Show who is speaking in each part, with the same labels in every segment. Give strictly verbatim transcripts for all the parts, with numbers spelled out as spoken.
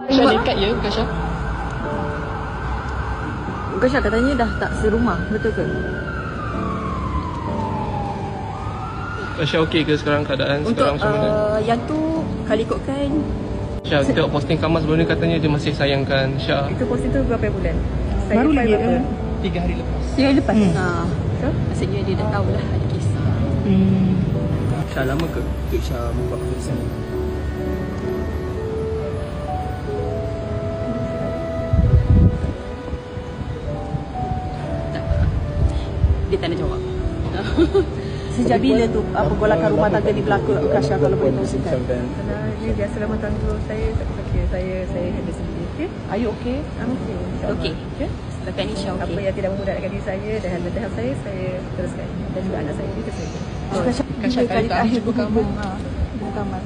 Speaker 1: Kasha dekat ya, Kasha?
Speaker 2: Kasha katanya dah tak serumah, betul ke?
Speaker 1: Kasha okey ke sekarang keadaan
Speaker 2: Untuk
Speaker 1: sekarang macam mana?
Speaker 2: uh, yang tu kali ikutkan.
Speaker 1: Syah, tengok posting Kamal sebelum ni katanya dia masih sayangkan Syah.
Speaker 2: Itu posting tu berapa bulan? Saya
Speaker 3: Baru lagi
Speaker 2: berapa?
Speaker 3: eh?
Speaker 1: Tiga hari lepas.
Speaker 3: Tiga hari lepas.
Speaker 2: Hmm. Ha.
Speaker 3: So?
Speaker 2: Maksudnya dia dah tahu lah ada kes.
Speaker 3: Hmm.
Speaker 1: Syah lama ke untuk Syah buat keputusan ni?
Speaker 2: Dia tak nak jawab. Sejak bila tu apa golakan rumah tangga ni berlaku Kasha, kalau boleh kongsikan?
Speaker 4: Kalau dia biasa rumah tangga saya, tak apa okay. Saya saya handle sendiri. Okay?
Speaker 2: Are you okay?
Speaker 4: I'm okay.
Speaker 2: Okey.
Speaker 4: Okay?
Speaker 2: Setakat ni Syah
Speaker 4: Apa
Speaker 2: okey.
Speaker 4: yang tidak memudaratkan diri saya dan hal-hal saya, saya teruskan. Dan juga anak saya, itu saja.
Speaker 2: Oh, Kasha,
Speaker 1: Kasha kali terakhir jumpa Kamal.
Speaker 2: Ha, jumpa Kamal.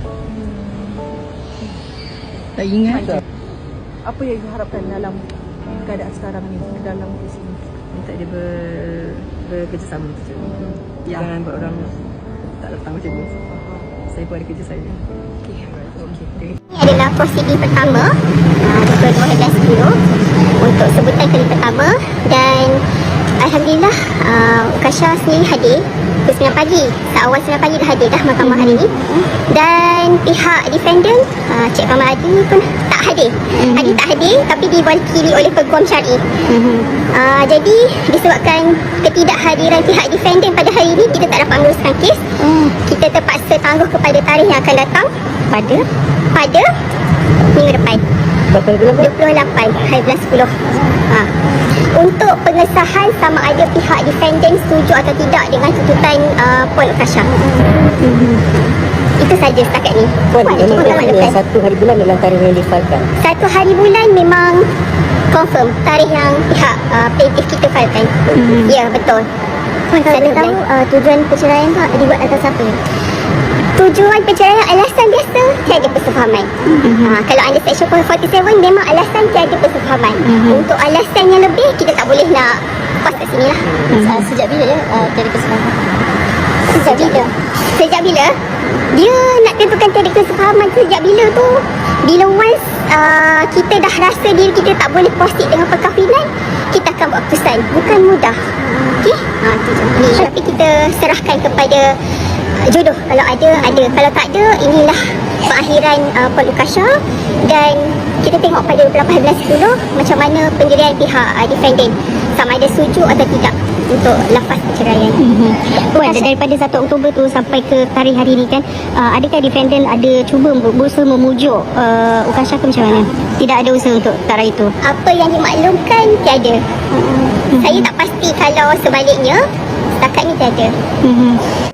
Speaker 3: Tak ingat.
Speaker 2: Apa yang diharapkan dalam keadaan sekarang ni, dalam kes ini?
Speaker 4: Minta dia ber, bekerjasama saja.
Speaker 2: Ya.
Speaker 4: Jangan buat orang tak datang macam ni. Saya pun ada kerja saya.
Speaker 2: Okey. Okey.
Speaker 5: Ini adalah prosedur pertama uh, pukul dua belas sepuluh untuk sebutan kali pertama, dan Alhamdulillah uh, Kasha sendiri hadir pukul sembilan pagi, seawal sembilan pagi dah hadir dah mahkamah hari ini, dan pihak defendant uh, Cik Kamal Adi pun tak hadir. Adi tak hadir tapi diwakili oleh Peguam Syar'i. uh, jadi disebabkan ketidakhadiran pihak defendant pada hari ini, kita tak dapat meneruskan kes. Kita terpaksa tangguh kepada tarikh yang akan datang pada pada minggu depan, dua puluh lapan hari bulan sepuluh. Ha. Untuk pengesahan sama ada pihak defendant setuju atau tidak dengan tuntutan uh, Puan Kasha. Mm-hmm. Itu saja setakat ni.
Speaker 6: Puan, memang katanya satu hari bulan dalam tarikh yang difailkan.
Speaker 5: Satu hari bulan memang confirm tarikh yang pihak uh, plaintiff kita failkan. Mm-hmm. Ya, betul. Puan, kalau boleh tahu uh, tujuan perceraian tu dibuat atas apa? Tujuan perceraian alasan biasa, tiada persefahaman. Mm-hmm. Ha, kalau anda section empat tujuh memang alasan tiada persefahaman. Mm-hmm. Untuk alasan yang lebih, kita tak boleh nak pas kat sini lah. Mm-hmm. Sejak bila ya uh, tiada persefahaman? Sejak bila? Sejak bila? Dia nak tentukan tiada persefahaman sejak bila tu? Bila once uh, kita dah rasa diri kita tak boleh proceed dengan perkahwinan, kita akan buat keputusan. Bukan mudah. Okey? Ha, tu je. Ni, tapi kita serahkan kepada jodoh. Kalau ada, ada. Kalau tak ada, inilah pengakhiran uh, Puan Kasha, dan kita tengok pada dua puluh lapan bulan sepuluh macam mana pendirian pihak uh, defendant, sama ada setuju atau tidak untuk lafaz perceraian. Mm-hmm.
Speaker 7: Puan, daripada satu Oktober tu sampai ke tarikh hari ni kan, uh, adakah defendant ada cuba berusaha memujuk uh, Kasha ke macam mana? Tidak ada usaha untuk tarikh itu?
Speaker 5: Apa yang dimaklumkan, tiada. Mm-hmm. Saya tak pasti kalau sebaliknya, setakat ni tiada.
Speaker 7: Mm-hmm.